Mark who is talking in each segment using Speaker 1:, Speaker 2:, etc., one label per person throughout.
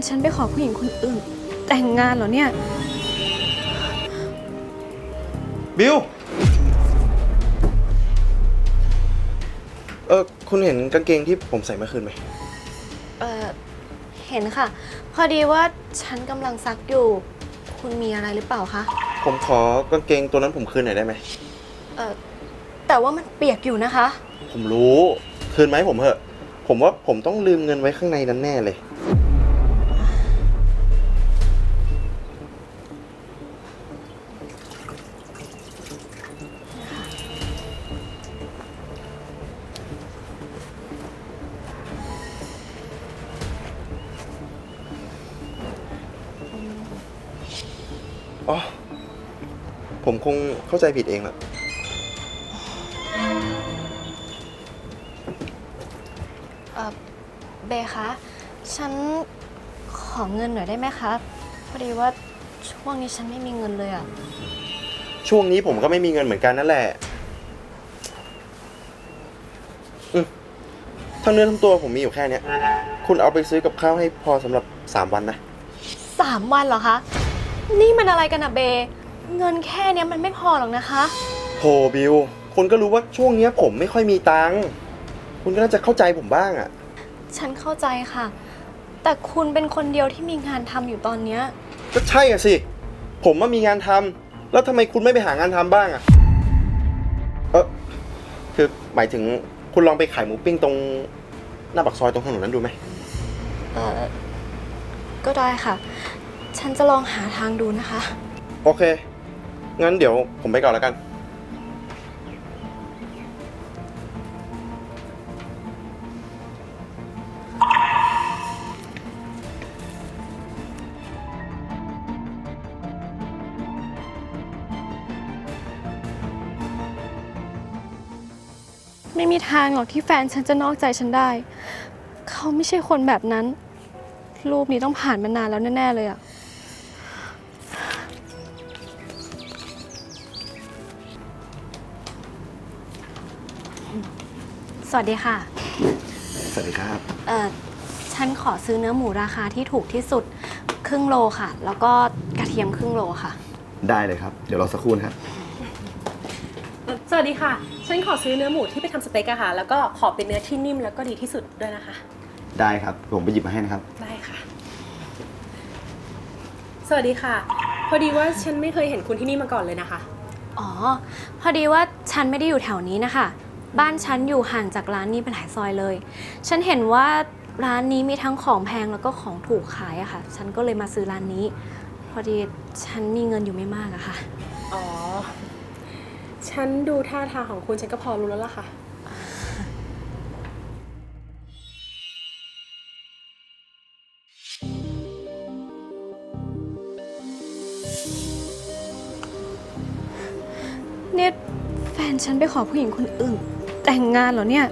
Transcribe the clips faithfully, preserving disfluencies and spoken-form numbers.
Speaker 1: ฉันไปขอผู้หญิงคนอื่นแต่งงานเหรอเนี่ย
Speaker 2: บิวเออคุณเห็นกางเกงที่ผมใส่เมื่อคืนไหม
Speaker 1: เออเห็นค่ะพอดีว่าฉันกำลังซักอยู่คุณมีอะไรหรือเปล่าคะ
Speaker 2: ผมขอกางเกงตัวนั้นผมคืนหน่อยได้ไหม
Speaker 1: เออแต่ว่ามันเปียกอยู่นะคะ
Speaker 2: ผมรู้คืนไหมผมเหอะผมว่าผมต้องลืมเงินไว้ข้างในนั้นแน่เลยอ๋อผมคงเข้าใจผิดเองแหละ
Speaker 1: เออเบคะฉันขอเงินหน่อยได้ไหมคะพอดีว่าช่วงนี้ฉันไม่มีเงินเลยอะ
Speaker 2: ช่วงนี้ผมก็ไม่มีเงินเหมือนกันนั่นแหละอืมทั้งเนื้อทั้งตัวผมมีอยู่แค่นี้คุณเอาไปซื้อกับข้าวให้พอสำหรับสามวันนะ
Speaker 1: สามวันเหรอคะนี่มันอะไรกันอะเบเงินแค่นี้มันไม่พอหรอกนะคะ
Speaker 2: โหบิวคุณก็รู้ว่าช่วงนี้ผมไม่ค่อยมีตังค์คุณก็น่าจะเข้าใจผมบ้างอะ
Speaker 1: ฉันเข้าใจค่ะแต่คุณเป็นคนเดียวที่มีงานทำอยู่ตอนนี้
Speaker 2: ก็ใช่อะสิผมว่ามีงานทำแล้วทำไมคุณไม่ไปหางานทำบ้างอะเออคือหมายถึงคุณลองไปขายหมูปิ้งตรงหน้าปากซอยตรงถนนนั้นดูไหม
Speaker 1: เออก็ได้ค่ะฉันจะลองหาทางดูนะคะ
Speaker 2: โอเคงั้นเดี๋ยวผมไปก่อนแล้วกัน
Speaker 1: ไม่มีทางหรอกที่แฟนฉันจะนอกใจฉันได้เขาไม่ใช่คนแบบนั้นรูปนี้ต้องผ่านมานานแล้วแน่ๆเลยอะสวัสดีค่ะ
Speaker 2: สวัสดีครับ
Speaker 1: เอ่อฉันขอซื้อเนื้อหมูราคาที่ถูกที่สุดครึ่งโลค่ะ แล้วก็กระเทียมครึ่งโลค่ะ
Speaker 2: ได้เลยครับเดี๋ยวรอสักครู่นะครับ
Speaker 3: สวัสดีค่ะฉันขอซื้อเนื้อหมูที่ไปทำสเต็กอะค่ะแล้วก็ขอเป็นเนื้อที่นิ่มแล้วก็ดีที่สุดด้วยนะคะ
Speaker 2: ได้ครับผมไปหยิบมาให้นะครับ
Speaker 3: ได้ค่ะสวัสดีค่ะพอดีว่าฉันไม่เคยเห็นคุณที่นี่มาก่อนเลยนะคะ
Speaker 1: อ๋อพอดีว่าฉันไม่ได้อยู่แถวนี้นะคะบ้านฉันอยู่ห่างจากร้านนี้เป็นหลายซอยเลยฉันเห็นว่าร้านนี้มีทั้งของแพงแล้วก็ของถูกขายอะค่ะฉันก็เลยมาซื้อร้านนี้พอดีฉันมีเงินอยู่ไม่มากอะค่ะ
Speaker 3: อ๋อฉันดูท่าทางของคุณฉันก็พอรู้แล้วล่ะค่ะ
Speaker 1: เนี่ยแฟนฉันไปขอผู้หญิงคนอื่นแต่งงานเหรอเนี่ย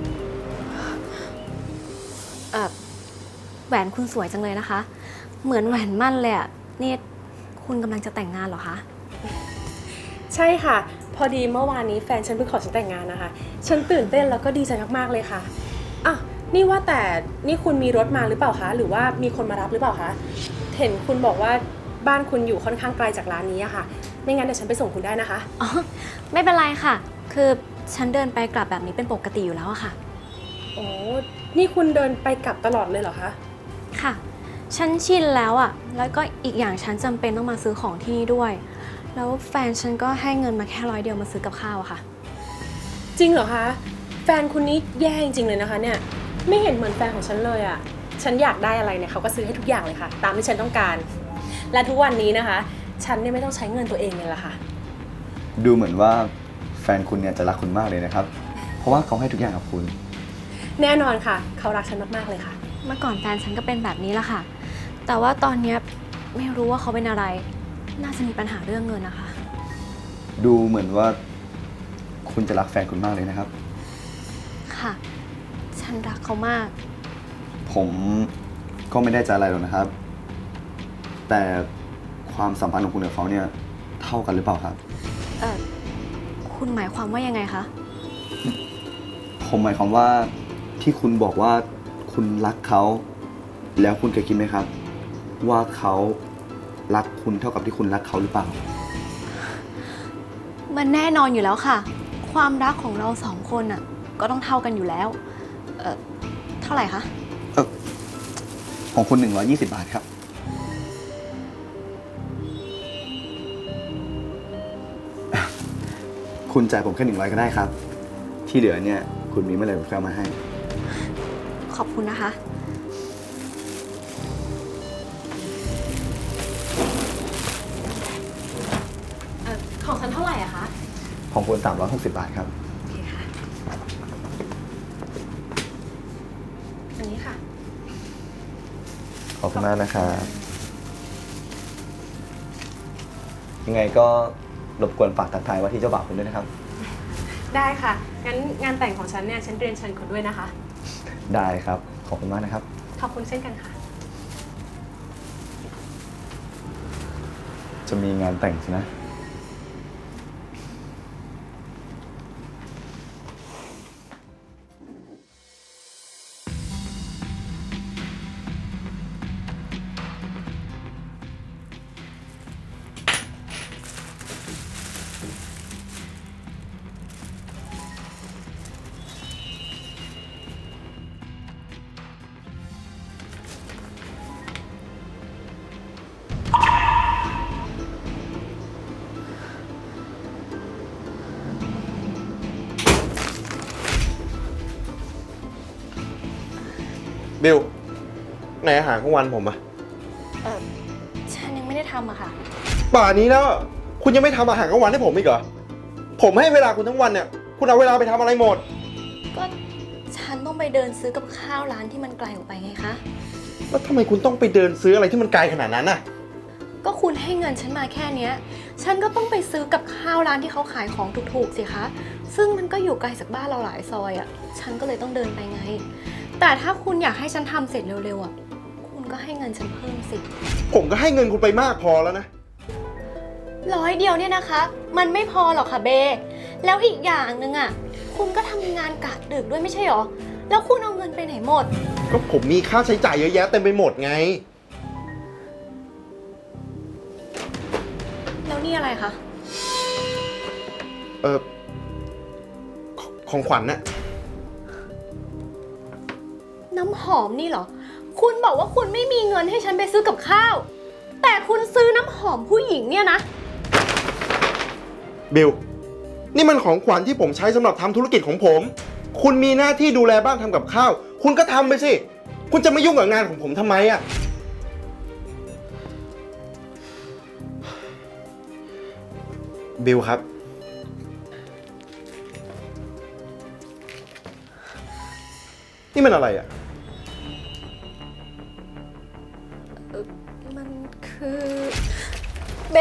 Speaker 1: เออแหวนคุณสวยจังเลยนะคะเหมือนแหวนมั่นเลยอะนี่คุณกำลังจะแต่งงานเหรอคะ
Speaker 3: ใช่ค่ะพอดีเมื่อวานนี้แฟนฉันเพิ่งขอฉันแต่งงานนะคะฉันตื่นเต้นแล้วก็ดีใจมากๆเลยค่ะอ่ะนี่ว่าแต่นี่คุณมีรถมาหรือเปล่าคะหรือว่ามีคนมารับหรือเปล่าคะเห็นคุณบอกว่าบ้านคุณอยู่ค่อนข้างไกลจากร้านนี้อะค่ะไม่งั้นเดี๋ยวฉันไปส่งคุณได้นะคะ
Speaker 1: อ๋อไม่เป็นไรค่ะคือฉันเดินไปกลับแบบนี้เป็นปกติอยู่แล้วอะค่ะ
Speaker 3: โอ้นี่คุณเดินไปกลับตลอดเลยเหรอคะ
Speaker 1: ค่ะฉันชินแล้วอะแล้วก็อีกอย่างฉันจำเป็นต้องมาซื้อของที่นี่ด้วยแล้วแฟนฉันก็ให้เงินมาแค่ร้อยเดียวมาซื้อกับข้าวอะค่ะ
Speaker 3: จริงเหรอคะแฟนคุณนี่แย่จริงๆเลยนะคะเนี่ยไม่เห็นเหมือนแฟนของฉันเลยอะฉันอยากได้อะไรเนี่ยเขาก็ซื้อให้ทุกอย่างเลยค่ะตามที่ฉันต้องการและทุกวันนี้นะคะฉันเนี่ยไม่ต้องใช้เงินตัวเองเลยล่ะค่ะ
Speaker 4: ดูเหมือนว่าแฟนคุณเนี่ยจะรักคุณมากเลยนะครับเพราะว่าเขาให้ทุกอย่างกับคุณ
Speaker 3: แน่นอนค่ะเขารักฉันมากๆเลยค่ะ
Speaker 1: เมื่อก่อนแฟนฉันก็เป็นแบบนี้แหละค่ะแต่ว่าตอนนี้ไม่รู้ว่าเขาเป็นอะไรน่าจะมีปัญหาเรื่องเงินนะคะ
Speaker 4: ดูเหมือนว่าคุณจะรักแฟนคุณมากเลยนะครับ
Speaker 1: ค่ะฉันรักเขามาก
Speaker 4: ผมก็ไม่ได้จะอะไรหรอกนะครับแต่ความสัมพันธ์ของคุณกับเขาเนี่ยเท่ากันหรือเปล่าครับ
Speaker 1: เออคุณหมายความว่ายังไงคะ
Speaker 4: ผมหมายความว่าที่คุณบอกว่าคุณรักเขาแล้วคุณเคยคิดไหมครับว่าเขารักคุณเท่ากับที่คุณรักเขาหรือเปล่า
Speaker 1: มันแน่นอนอยู่แล้วค่ะ ความรักของเราสองคนอ่ะ ก็ต้องเท่ากันอยู่แล้ว เอ่อ เท่าไหร่คะ
Speaker 4: เออของคุณหนึ่งร้อยยี่สิบบาทครับ คุณจ่ายผมแค่หนึ่งร้อยก็ได้ครับ ที่เหลือเนี่ย คุณมีเมื่อไหร่ผมจะเอามาให้
Speaker 1: ขอบคุณนะคะ เอ่อ ของฉันเท่าไหร่อะคะ
Speaker 4: ของคุณสามร้อยหกสิบบาทครับ
Speaker 1: โอเคค่ะ อันนี้ค่ะ
Speaker 4: ขอบคุณมากนะครับ ยังไงก็รบกวนฝากทักทายว่าที่เจ้าบ่าวคุณด้วยนะครับ
Speaker 3: ได้ค่ะ งั้นงานแต่งของฉันเนี่ยฉันเรียนเชิญคุณด้วยนะคะ
Speaker 4: ได้ครับ ขอบคุณมากนะครับ
Speaker 3: ขอบคุณเช่นกันค่ะ
Speaker 4: จะมีงานแต่งใช่ไหม
Speaker 2: บิลไหนอาหารกลางวันผมอะ
Speaker 1: เอ่อ ฉันยังไม่ได้ทำอะค่ะ
Speaker 2: ป่านนี้แล้วคุณยังไม่ทำอาหารกลางวันให้ผมอีกเหรอ ผมให้เวลาคุณทั้งวันเนี่ย คุณเอาเวลาไปทำอะไรหมด
Speaker 1: ก็ฉันต้องไปเดินซื้อกับข้าวร้านที่มันไกลออกไปไงคะ
Speaker 2: แล้วทำไมคุณต้องไปเดินซื้ออะไรที่มันไกลขนาดนั้นน่ะ
Speaker 1: ก็คุณให้เงินฉันมาแค่เนี้ย ฉันก็ต้องไปซื้อกับข้าวร้านที่เขาขายของถูกๆสิคะ ซึ่งมันก็อยู่ไกลจากบ้านเราหลายซอยอะฉันก็เลยต้องเดินไปไง แต่ถ้าคุณอยากให้ฉันทำเสร็จเร็วๆอะคุณก็ให้เงินฉันเพิ่มสิ
Speaker 2: ผมก็ให้เงินคุณไปมากพอแล้วนะ
Speaker 1: ร้อยเดียวเนี่ยนะคะ มันไม่พอหรอกค่ะเบ แล้วอีกอย่างหนึ่งอะคุณก็ทำงานกะดึกด้วยไม่ใช่หรอ แล้วคุณเอาเงินไปไหนหมด
Speaker 2: ก็ผมมีค่าใช้จ่ายเยอะแยะเต็มไปหมดไง
Speaker 1: แล้วนี่อะไรคะ
Speaker 2: เออขของขวัญน่ะ
Speaker 1: น้ำหอมนี่เหรอ คุณบอกว่าคุณไม่มีเงินให้ฉันไปซื้อกับข้าว แต่คุณซื้อน้ำหอมผู้หญิงเนี่ยนะ
Speaker 2: บิล นี่มันของขวัญที่ผมใช้สำหรับทำธุรกิจของผม คุณมีหน้าที่ดูแลบ้านทำกับข้าว คุณก็ทำไปสิ คุณจะไม่ยุ่งกับงานของผมทำไมอะบิลครับ นี่มันอะไรอะ
Speaker 1: มันคือเบ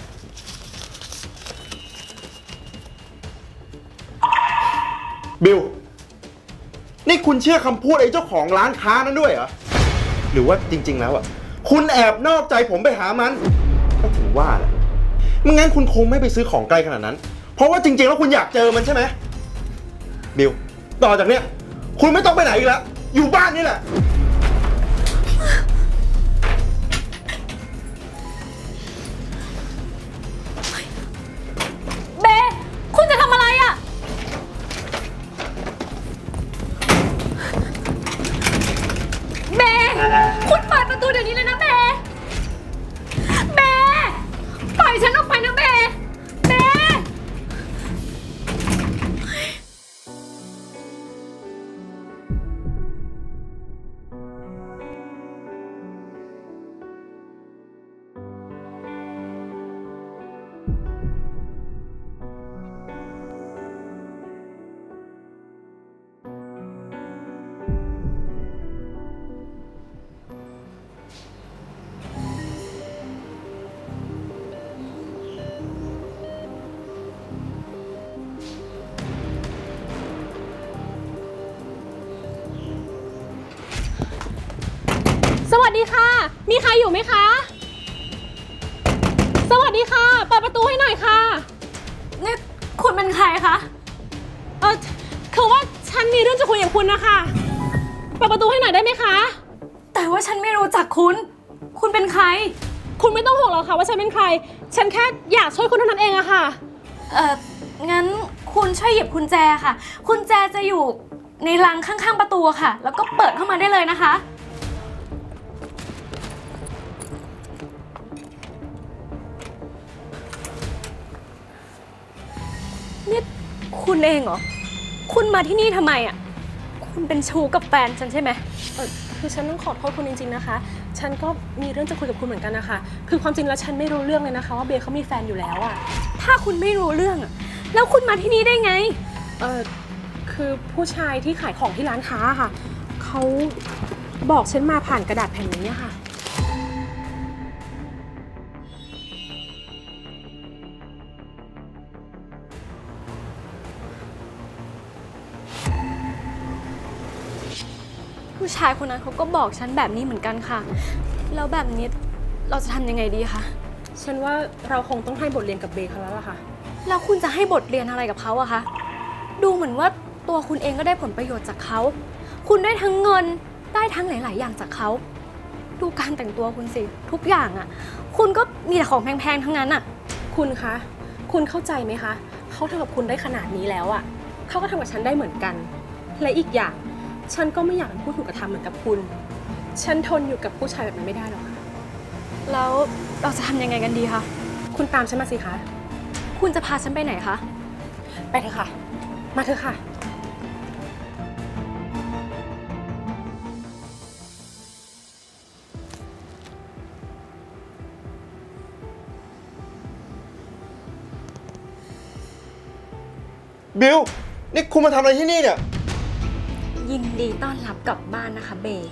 Speaker 2: บิล นี่คุณเชื่อคำพูดไอ้เจ้าของร้านค้านั้นด้วยเหรอ หรือว่าจริง ๆ แล้วอ่ะ คุณแอบนอกใจผมไปหามัน ก็ถึงว่าแหละไม่งั้นคุณคงไม่ไปซื้อของไกลขนาดนั้น เพราะว่าจริง ๆ แล้วคุณอยากเจอมันใช่ไหม บิล ต่อจากเนี้ย คุณไม่ต้องไปไหนอีกแล้ว อยู่บ้านนี่แหละ
Speaker 1: เบ คุณจะทำอะไรอะเบ คุณเปิดประตูเดี๋ยวนี้เลยนะเบ เบ ปล่อยฉันออกไปนะเบ เบ
Speaker 3: สวัสดีค่ะ มีใครอยู่ไหมคะ สวัสดีค่ะ เปิดประตูให้หน่อยค่ะ
Speaker 1: นี่คุณเป็นใครคะ
Speaker 3: เออคือว่าฉันมีเรื่องจะคุยกับคุณนะคะ เปิดประตูให้หน่อยได้ไหมคะ
Speaker 1: แต่ว่าฉันไม่รู้จักคุณคุณเป็นใคร
Speaker 3: คุณไม่ต้องห่วงหรอกค่ะว่าฉันเป็นใคร ฉันแค่อยากช่วยคุณเท่านั้นเองอะค่ะ
Speaker 1: เอ่อ งั้นคุณช่วยหยิบกุญแจค่ะ กุญแจจะอยู่ในรังข้างๆประตูค่ะ แล้วก็เปิดเข้ามาได้เลยนะคะ นี่คุณเองเหรอ คุณมาที่นี่ทำไมอ่ะ คุณเป็นชู้กับแฟนฉันใช่ไหม
Speaker 3: เออคือฉันต้องขอโทษคุณจริงๆนะคะ ฉันก็มีเรื่องจะคุยกับคุณเหมือนกันนะคะ คือความจริงแล้วฉันไม่รู้เรื่องเลยนะคะว่าเบย์เขามีแฟนอยู่แล้วอะ
Speaker 1: ถ้าคุณไม่รู้เรื่องอ่ะ แล้วคุณมาที่นี่ได้ไง
Speaker 3: เออคือผู้ชายที่ขายของที่ร้านค้าค่ะ เขาบอกฉันมาผ่านกระดาษแผ่นนี้อะค่ะ
Speaker 1: ผู้ชายคนนั้นเขาก็บอกฉันแบบนี้เหมือนกันค่ะ แล้วแบบนี้เราจะทำยังไงดีคะ
Speaker 3: ฉันว่าเราคงต้องให้บทเรียนกับเบย์เขาแล้วล่ะค่ะ
Speaker 1: แล้วคุณจะให้บทเรียนอะไรกับเขาอะคะ ดูเหมือนว่าตัวคุณเองก็ได้ผลประโยชน์จากเขา คุณได้ทั้งเงิน ได้ทั้งหลาย ๆ อย่างจากเขา ดูการแต่งตัวคุณสิ ทุกอย่างอะคุณก็มีแต่ของแพง ๆ ทั้งนั้นอะ
Speaker 3: คุณคะ คุณเข้าใจไหมคะ เขาทำกับคุณได้ขนาดนี้แล้วอะเขาก็ทำกับฉันได้เหมือนกัน และอีกอย่าง ฉันก็ไม่อยากเป็นผู้ถูกกระทำเหมือนกับคุณ ฉันทนอยู่กับผู้ชายแบบนั้นไม่ได้หรอกค่ะ
Speaker 1: แล้วเราจะทำยังไงกันดีคะ
Speaker 3: คุณตามฉันมาสิคะ
Speaker 1: คุณจะพาฉันไปไหนคะ
Speaker 3: ไปเถอะค่ะ มาเถอะค่ะ
Speaker 2: บิล นี่คุณมาทำอะไรที่นี่เนี่ย
Speaker 1: ยินดีต้อนรับกลับบ้านนะคะเบย์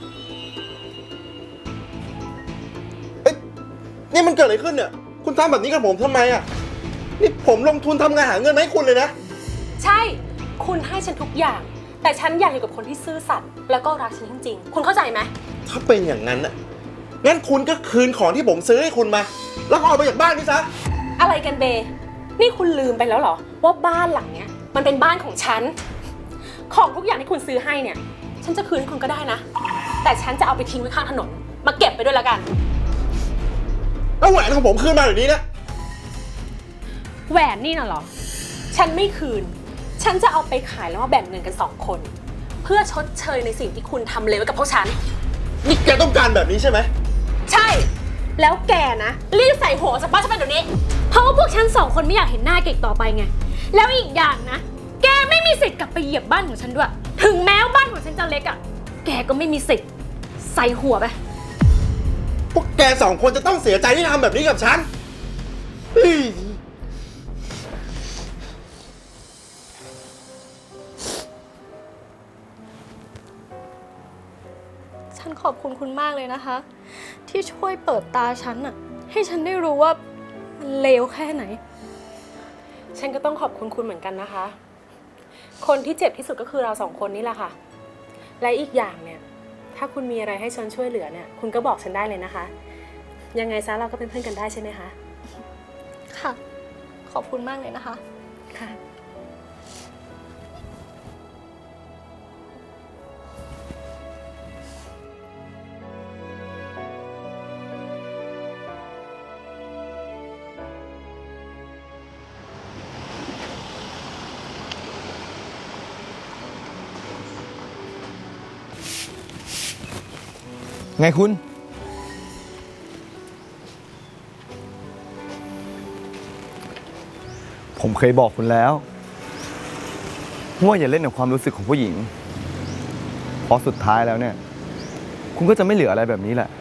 Speaker 2: เอ้ยนี่มันเกิดอะไรขึ้นเนี่ย คุณทำแบบนี้กับผมทำไมอ่ะ นี่ผมลงทุนทำงานหาเงินมาให้คุณเลยนะ
Speaker 3: ใช่ คุณให้ฉันทุกอย่าง แต่ฉันอยากอยู่กับคนที่ซื่อสัตย์แล้วก็รักฉันจริงๆ คุณเข้าใจไหม
Speaker 2: ถ้าเป็นอย่างนั้นน่ะ งั้นคุณก็คืนของที่ผมซื้อให้คุณมา แล้วก็ออกไปจากบ้านนี่ซะ
Speaker 3: อะไรกันเบย์นี่คุณลืมไปแล้วเหรอ ว่าบ้านหลังเนี้ยมันเป็นบ้านของฉัน ของทุกอย่างที่คุณซื้อให้เนี่ย ฉันจะคืนให้คุณก็ได้นะ แต่ฉันจะเอาไปทิ้งไว้ข้างถนน มาเก็บไปด้วยละกัน
Speaker 2: แล้วแหวนของผมคืนมาเดี๋ยวนี้นะ
Speaker 3: แหวนนี่น่ะเหรอ ฉันไม่คืน ฉันจะเอาไปขายแล้วมาแบ่งเงินกันสองคน เพื่อชดเชยในสิ่งที่คุณทำเลวไว้กับพวกฉัน
Speaker 2: นี่แกต้องการแบบนี้ใช่ไหม
Speaker 3: ใช่ แล้วแกนะรีบใส่หัวออกจากบ้านฉันไปเดี๋ยวนี้
Speaker 1: เพราะว่าพวกฉันสองคนไม่อยากเห็นหน้าเก่งต่อไปไง แล้วอีกอย่างนะ แกไม่มีสิทธิ์กลับไปเหยียบบ้านของฉันด้วย ถึงแม้ว่าบ้านของฉันจะเล็กอะ่ะ แกก็ไม่มีสิทธิ์ใส่หัวไป
Speaker 2: พวกแกสองคนจะต้องเสียใจที่ทำแบบนี้กับฉันเฮ้ย
Speaker 1: ฉันขอบคุณคุณมากเลยนะคะ ที่ช่วยเปิดตาฉันอะให้ฉันได้รู้ว่ามันเลวแค่ไหน
Speaker 3: ฉันก็ต้องขอบคุณคุณเหมือนกันนะคะ คนที่เจ็บที่สุดก็คือเราสองคนนี่แหละค่ะ และอีกอย่างเนี่ย ถ้าคุณมีอะไรให้ฉันช่วยเหลือเนี่ย คุณก็บอกฉันได้เลยนะคะ ยังไงซะเราก็เป็นเพื่อนกันได้ใช่ไหมคะ
Speaker 1: ค่ะ ขอบคุณมากเลยนะคะ
Speaker 3: ค่ะ
Speaker 4: ไงคุณ ผมเคยบอกคุณแล้วว่าอย่าเล่นกับความรู้สึกของผู้หญิง เพราะสุดท้ายแล้วเนี่ย คุณก็จะไม่เหลืออะไรแบบนี้แหละ